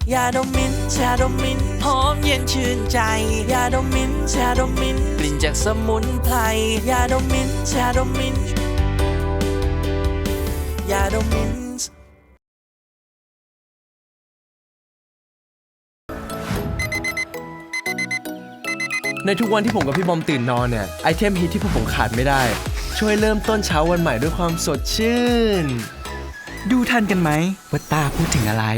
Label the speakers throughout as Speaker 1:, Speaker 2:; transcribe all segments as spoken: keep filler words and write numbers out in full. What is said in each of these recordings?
Speaker 1: ยาดมมิ้นท์ชาดมมิ้นท์หอมเย็นชื่นใจยาดมมิ้นท์ชาดมมิ้นท์กลิ่นจากสมุนไพรยาดมมิ้นท์ชาดมมิ้นท์ยาดมมิ้นท์
Speaker 2: ในทุกวันที่ผมกับพี่บอมตื่นนอนเนี่ยไอเทมฮิตที่พวกผมขาดไม่ได้ช่วยเริ่มต้นเช้าวันใหม่ด้วยความสดชื่น
Speaker 3: ดูทันกันไหมว่าตาพูดถึงอะไร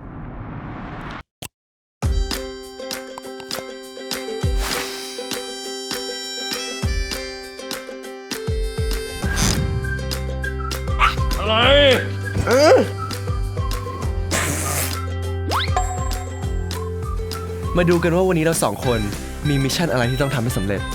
Speaker 2: อะไรเออมาดูกันว่าวันนี้เราสองคนมีมิชชั่นอะไรที่ต้องทำให้สำเร็จ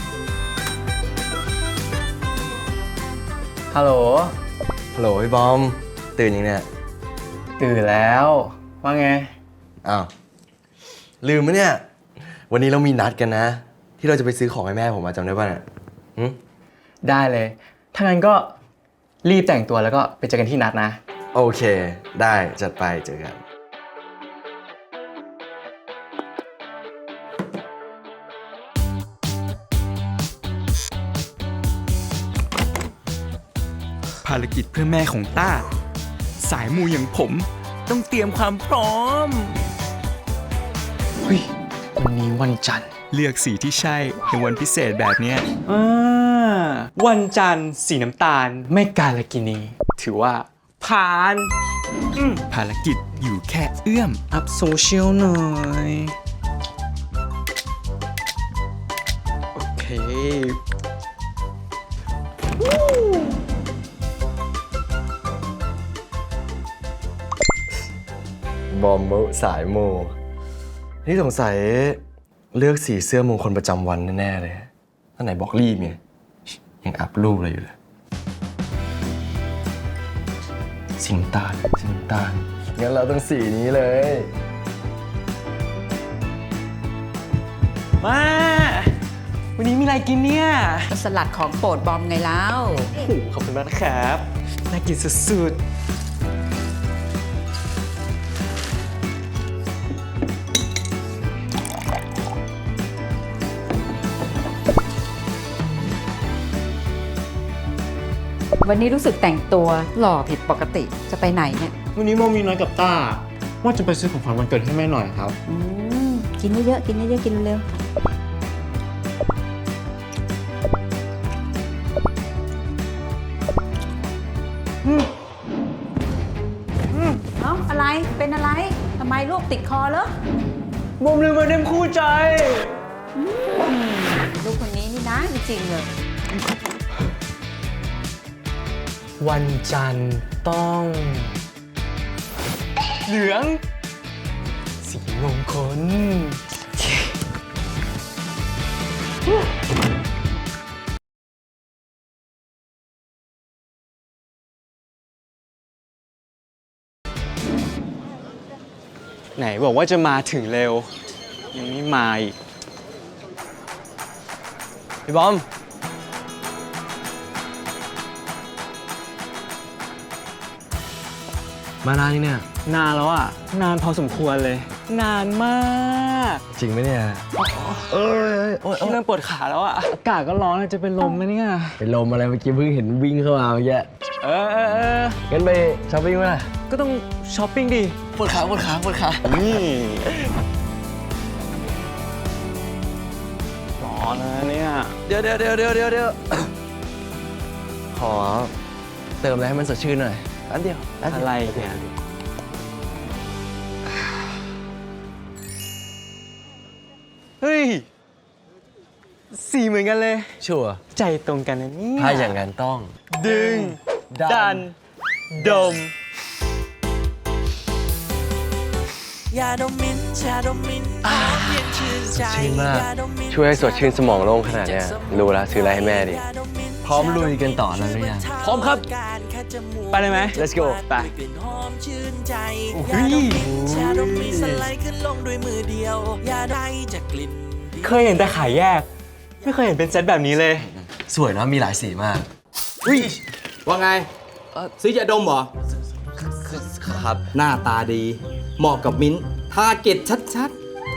Speaker 3: ฮัลโหล
Speaker 2: ฮัลโหลพี่บอมตื่นยังเนี่ย
Speaker 3: ตื่นแล้วว่าไง
Speaker 2: อ้าวลืมไหมเนี่ยวันนี้เรามีนัดกันนะที่เราจะไปซื้อของให้แม่ผมมาจำได้ป่ะเนี่ย
Speaker 3: ได้เลยถ้างั้นก็รีบแต่งตัวแล้วก็ไปเจอกันที่นัดนะ
Speaker 2: โอเคได้จัดไปเจอกัน
Speaker 3: ภารกิจเพื่อแม่ของต้าสายมูอย่างผมต้องเตรียมความพร้อมเฮ้ยวันนี้วันจันทร์เลือกสีที่ใช่ในวันพิเศษแบบนี้อ่าวันจันทร์สีน้ำตาลไม่กาลกินีถือว่าผ่านภารกิจอยู่แค่เอื้อมอัพโซเชียลหน่อยโอเค
Speaker 2: บอมมุสายโมนี่สงสัยเลือกสีเสื้อมงคลประจำวันแน่ๆเลยท่านไหนบอกรีบไงยังอัพรูปอะไรอยู่เลยสีน้ำตาลสีน้ำตาลงั้นเราต้องสีนี้เลย
Speaker 3: มาวันนี้มีอะไรกินเนี่ย
Speaker 4: สลัดของโปรดบอมไงแล้ว
Speaker 3: ขอบคุณมากครับน่ากินสุดๆ
Speaker 4: วันนี้รู้สึกแต่งตัวหล่อผิดปกติจะไปไหนเนี่ย
Speaker 5: วันนี้โมมีนัดกับต้าว่าจะไปซื้อของขวัญวันเกิดให้แม่หน่อยครับ
Speaker 4: อืมกินเยอะๆกินเยอะๆกินเร็วเอ้าอะไรเป็นอะไรทำไมลูกติดคอเหรอ
Speaker 3: โมลืมมาเต็มคู่ใจ
Speaker 4: ลูกคนนี้นี่นะจริงๆเลย
Speaker 3: วันจันทร์ต้องเหลืองสีมงคลไหนบอกว่าจะมาถึงเร็วยังไม่มาอีก
Speaker 2: พี่บอมมานานนี่เนี่ย
Speaker 3: นานแล้วอ่ะนานพอสมควรเลยนานมาก
Speaker 2: จริงไหมเนี่ยเออโอ้ย
Speaker 3: เริ่มปวดขาแล้วอ่ะอากาศก็ร้อนจะเป็นลมไหมเนี่ย
Speaker 2: เป็นลมอะไรเมื่อกี้เพิ่งเห็นวิ่งเข้ามาเมื่อกี้
Speaker 3: เออเออเออ
Speaker 2: งั้นไปช้อปปิ้งไหม
Speaker 3: ก็ต้องช้อปปิ้งดิ
Speaker 2: ปวดขาปวดขาปวดขา
Speaker 3: นี่ร้อนนะเนี่ย
Speaker 2: เดี๋ยวเดี๋ยวเดี๋ยวเดี๋ยวเดี๋ยวเดี๋ยวขอเติมอะไรให้มันสดชื่นหน่อยอันเดียว
Speaker 3: อะไรเนี่ยเฮ้ยสีเหมือนกันเลย
Speaker 2: ชัวร์
Speaker 3: ใจตรงกันนะเนี่ย
Speaker 2: ถ้าอย่างนั้นต้อง
Speaker 3: ดึงดันดม
Speaker 1: ยาดมมิ้นท์ชาดมมิ้นท์หอมเย็นชื่นใจ
Speaker 2: ชื่นมากช่วยให้สดชื่นสมองโล่งขนาดเนี้ยรู้แล้วซื้ออะไรให้แม่ดิพร้อมลุยกันต่อแล้วหรือยัง
Speaker 3: พร้อมครับไปเลยไหม
Speaker 2: let's go
Speaker 3: ไป
Speaker 1: หอมชื่นใจยาดมมิ้นท์ชาดมมิ้นท์สไลด์ขึ้นลงด้วยมือเดียวยาได้จากกลิ่น
Speaker 3: เคยเห็นแต่ขายแยกไม่เคยเห็นเป็นเซตแบบนี้เลย
Speaker 2: สวยนะมีหลายสีมาก
Speaker 5: อุ้ยว่าไงซื้อยาดมเหรอ
Speaker 2: ครับ
Speaker 5: หน้าตาดีเหมาะกับมิ้นท์
Speaker 3: ทาร์เก็ตชัด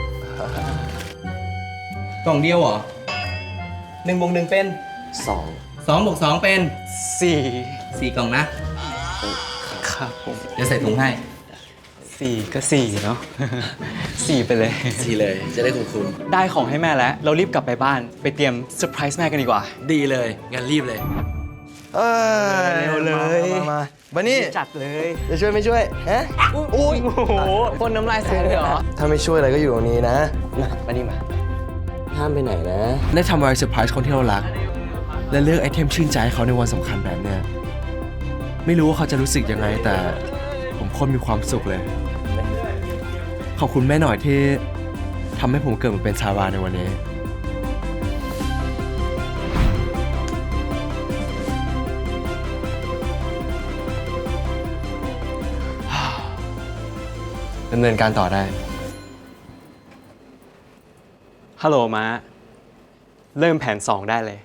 Speaker 3: ๆ กล่องเดียวเหรอหนึ่งบวกหนึ่งเป็น
Speaker 2: สอง
Speaker 3: สองบวกสองเป็น
Speaker 6: สี่
Speaker 3: สี่กล่องนะ
Speaker 6: ครับผม
Speaker 3: เดี๋ยวใส่ถุงให้
Speaker 6: สี่ก็สี่เนาะ สี่ไปเลย
Speaker 2: ทีเลยจะได้คุ้ม
Speaker 6: ได้ของให้แม่แล้ว เรารีบกลับไปบ้านไปเตรียมเซอร์ไพรส์แม่กันดีกว่า
Speaker 2: ดีเลยงั้นรีบเลย เออ
Speaker 6: เร็วเลย
Speaker 2: มามาบันนี่
Speaker 6: จัดเลย
Speaker 2: จะช่วยไม่ช่วยฮะอุ้ย
Speaker 6: โอ้โหพ่นน้ำลายใส่เลยเหรอ
Speaker 2: ถ้าไม่ช่วยอะไรก็อยู่ตรงนี้นะมาบันนี่มา ห้ามไปไหนนะ ได้ทำอะไรเซอร์ไพรส์คนที่เรารัก และเลือกไอเทมชื่นใจให้เขาในวันสำคัญแบบเนี้ยไม่รู้ว่าเขาจะรู้สึกยังไงแต่ผมโคตรมีความสุขเลย ขอบคุณแม่หน่อยที่ทำให้ผมเกิดมาเป็นชาวาในวันนี้ ดำเนินการต่อได้
Speaker 6: ฮัลโหลม้า เริ่มแผนสองได้เลย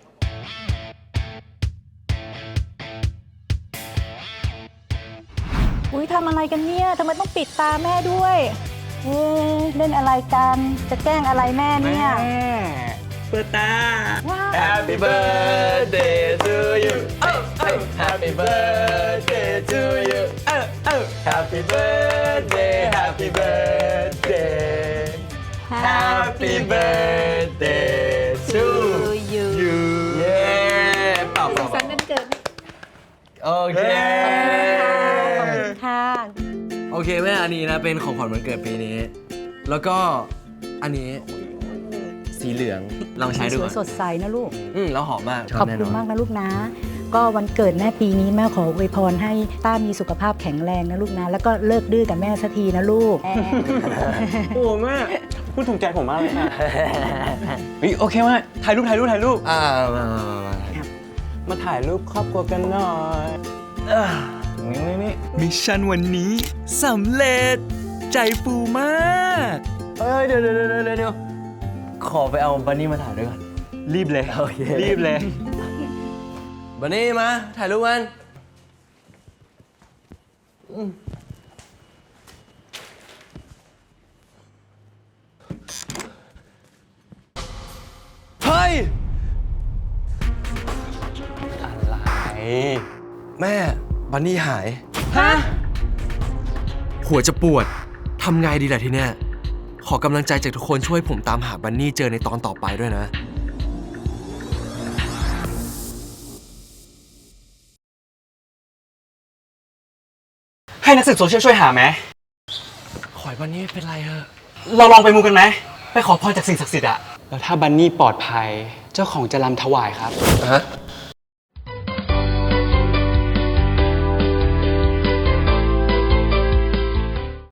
Speaker 4: อุ้ยทำอะไรกันเนี่ยทำไมต้องปิดตาแม่ด้วยเอ๊ะเล่นอะไรกัน จะแกล้งอะไรแม่เนี่ย
Speaker 6: เปิดตา
Speaker 4: ว้าว
Speaker 2: Happy birthday to you Happy birthday to you Happy birthday Happy birthday Happy birthday to
Speaker 4: you
Speaker 2: you เย้เป่า
Speaker 4: สุขสันต์วันเกิด
Speaker 2: โอเค
Speaker 4: ขอบคุณค่ะ
Speaker 2: โอเคแม่อันนี้นะเป็นของขวัญวันเกิดปีนี้ แล้วก็อันนี้สีเหลืองลองใช้ดู
Speaker 4: ส
Speaker 2: ก่
Speaker 4: ว
Speaker 2: อย น
Speaker 4: สดใสนะลูก
Speaker 2: อืมแล้วหอมมาก
Speaker 4: ขอบคุณมากนะลูกนะ ก็วันเกิดแม่ปีนี้แม่ขออวยพรให้ต้ามีสุขภาพแข็งแรงนะลูกนะ แล้วก็เลิกดื้อกับแม่สักทีนะลูก
Speaker 6: โอ้แม่พูดถูกใจผมมากเลยค่ะ เฮ้ยโอเคแม่ถ่ายรูปถ่ายรูปถ่ายรูป
Speaker 2: อ่ามามามามา
Speaker 6: มาถ่ายรูปครอบครัวกันหน่อยนี่นี่นี่
Speaker 3: มิชชั่นวันนี้สำเร็จ ใจฟูมาก
Speaker 2: เฮ้ยเดี๋ยวเดี๋ยวเดี๋ยวเดี๋ยวขอไปเอาบันนี่มาถ่ายด้วยก่อน
Speaker 6: รีบเลย
Speaker 2: โอเค
Speaker 6: รีบเลย
Speaker 2: บันนี่มาถ่ายรูปกันอืมเฮ้ย
Speaker 6: อะไร
Speaker 2: แม่บันนี่หาย
Speaker 6: ฮะ
Speaker 2: หัวจะปวด ทำไงดีล่ะทีเนี้ย ขอกำลังใจจากทุกคนช่วยผมตามหาบันนี่เจอในตอนต่อไปด้วยนะ
Speaker 6: ให้นักสืบโซเชียลช่วยหาไหม
Speaker 2: ขอยบันนี่ไม่เป็นไรเถอะ
Speaker 6: เราลองไปมูกันไหม ไปขอพรจากสิ่งศักดิ์สิทธิ์อะแล้วถ้าบันนี่ปลอดภัย เจ้าของจะรำถวายครับ
Speaker 2: ฮะ